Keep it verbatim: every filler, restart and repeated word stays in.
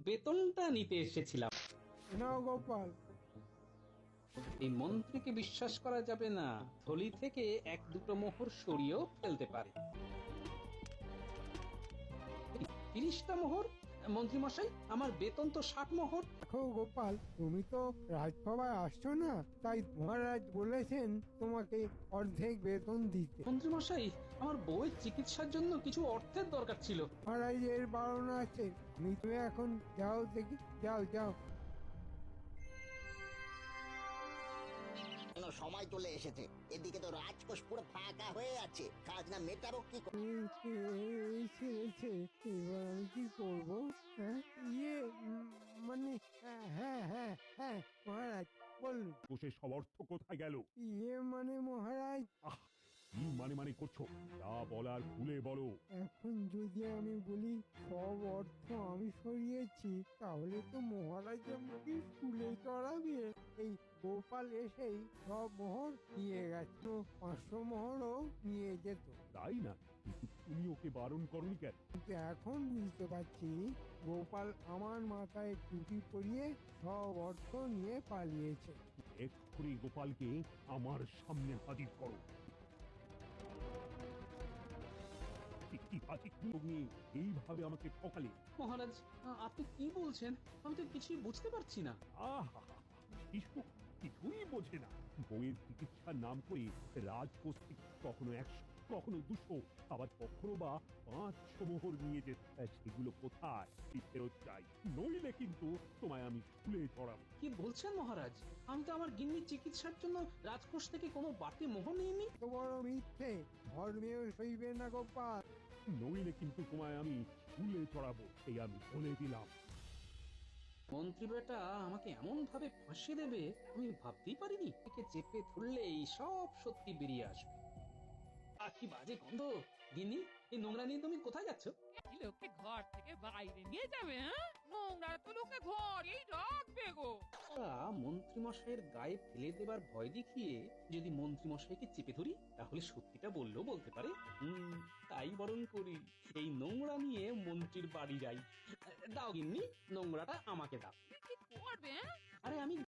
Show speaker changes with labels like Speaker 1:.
Speaker 1: বেতনটা নিতে এসেছিলাম।
Speaker 2: নাও গোপাল।
Speaker 1: এই মন্ত্রীকে বিশ্বাস করা যাবে না, থলি থেকে এক দুটো মোহর সরিয়েও ফেলতে পারে। তিরিশটা মোহর? মন্ত্রী মশাই, আমার বেতন তো ষাট মোহর।
Speaker 2: দেখো গোপাল, তুমি তো রাজসভায় আসছো না, তাই মহারাজ বলেছেন তোমাকে অর্ধেক বেতন দিতে।
Speaker 1: মন্ত্রী মশাই, আমার বউয়ের চিকিৎসার জন্য কিছু অর্থের দরকার ছিল।
Speaker 2: মহারাজের বারণা আছে, আমি তুমি এখন যাও দেখি, যাও যাও।
Speaker 3: কেন সময় চলে এসেছে, এদিকে তো রাজকোষ পুরো ফাঁকা হয়ে আছে, খাজনা মেটাবো কি করে?
Speaker 2: এই এই ছেড়েছে, এবার আমি কি করবো? হ্যাঁ ইয়ে উম, মানে হ্যাঁ হ্যাঁ হ্যাঁ হ্যাঁ মহারাজ বলুন।
Speaker 4: কোষের সব অর্থ কোথায় গেল?
Speaker 2: ইয়ে মানে মহারাজ,
Speaker 4: আহ কি মানে মানে করছো? যা বলার খুলে বলো।
Speaker 2: এখন যদি আমি বলি সব অর্থ আমি সরিয়েছি, তাহলে তো মহারাজ আমাকে স্কুলে চড়াবে। এই গোপাল এসেই সব মোহর নিয়ে গেছে, পাঁচশো মোহরও নিয়ে যেত।
Speaker 4: তাই না? কিন্তু তুমি ওকে বারণ করনি কেন?
Speaker 2: কিন্তু এখন বুঝতে পারছি গোপাল আমার মাথায় টুপি পরিয়ে সব অর্থ নিয়ে পালিয়েছে।
Speaker 4: এক্ষুনি গোপালকে আমার সামনে হাজির করো। কি- কি হাজির তুমি এইভাবে আমাকে ঠকালে?
Speaker 1: মহারাজ, আ- আপনি কি বলছেন? আমি তো কিছুই বুঝতে পারছি না।
Speaker 4: আহা কিছু কিছুই বোঝে না। বউয়ের চিকিৎসার নাম করে রাজকোষ থেকে কখনো একশো, কখনো দুশো, আবার কখনো বা পাঁচশো মোহর নিয়ে যেত। সেগুলো কোথায় ফেরত চাই, নইলে কিন্তু তোমায় আমি স্কুলে চড়াবো।
Speaker 1: কি বলছেন মহারাজ? আমি তো আমার গিন্নির চিকিৎসার জন্য রাজকোষ থেকে কোনো বাড়তি মোহর নিইনি।
Speaker 2: তো বড় মিথ্যে, ধর্মেও সইবে না গোপাল।
Speaker 4: নইলে কিন্তু তোমায় আমি স্কুলে চড়াবো, এই আমি বলে দিলাম।
Speaker 1: মন্ত্রী বেটা আমাকে এমন ভাবে ফাঁসিয়ে দেবে আমি ভাবতেই পারিনি। একে চেপে ধরলেই সব সত্যি বেরিয়ে আসবে। আর কি বাজে গন্ধ! গিন্নি, এই নোংরা নিয়ে তুমি কোথায় যাচ্ছ?
Speaker 5: এই লোককে ঘর থেকে বাইরে নিয়ে যাবে? হ্যাঁ, নোংরা তো লোকে ঘরেই রাখবে গো।
Speaker 1: মন্ত্রী মশাইয়ের গায়ে ফেলে দেবার ভয় দেখিয়ে যদি মন্ত্রী মশাইকে চেপে ধরি, তাহলে সত্যিটা বললেও বলতে পারে। হুম, তাই বরং করি। এই নোংরা নিয়ে মন্ত্রীর বাড়ি যাই। দাও গিন্নি, নোংরাটা আমাকে দাও।
Speaker 5: কি করবে? হ্যাঁ?
Speaker 1: আরে আমি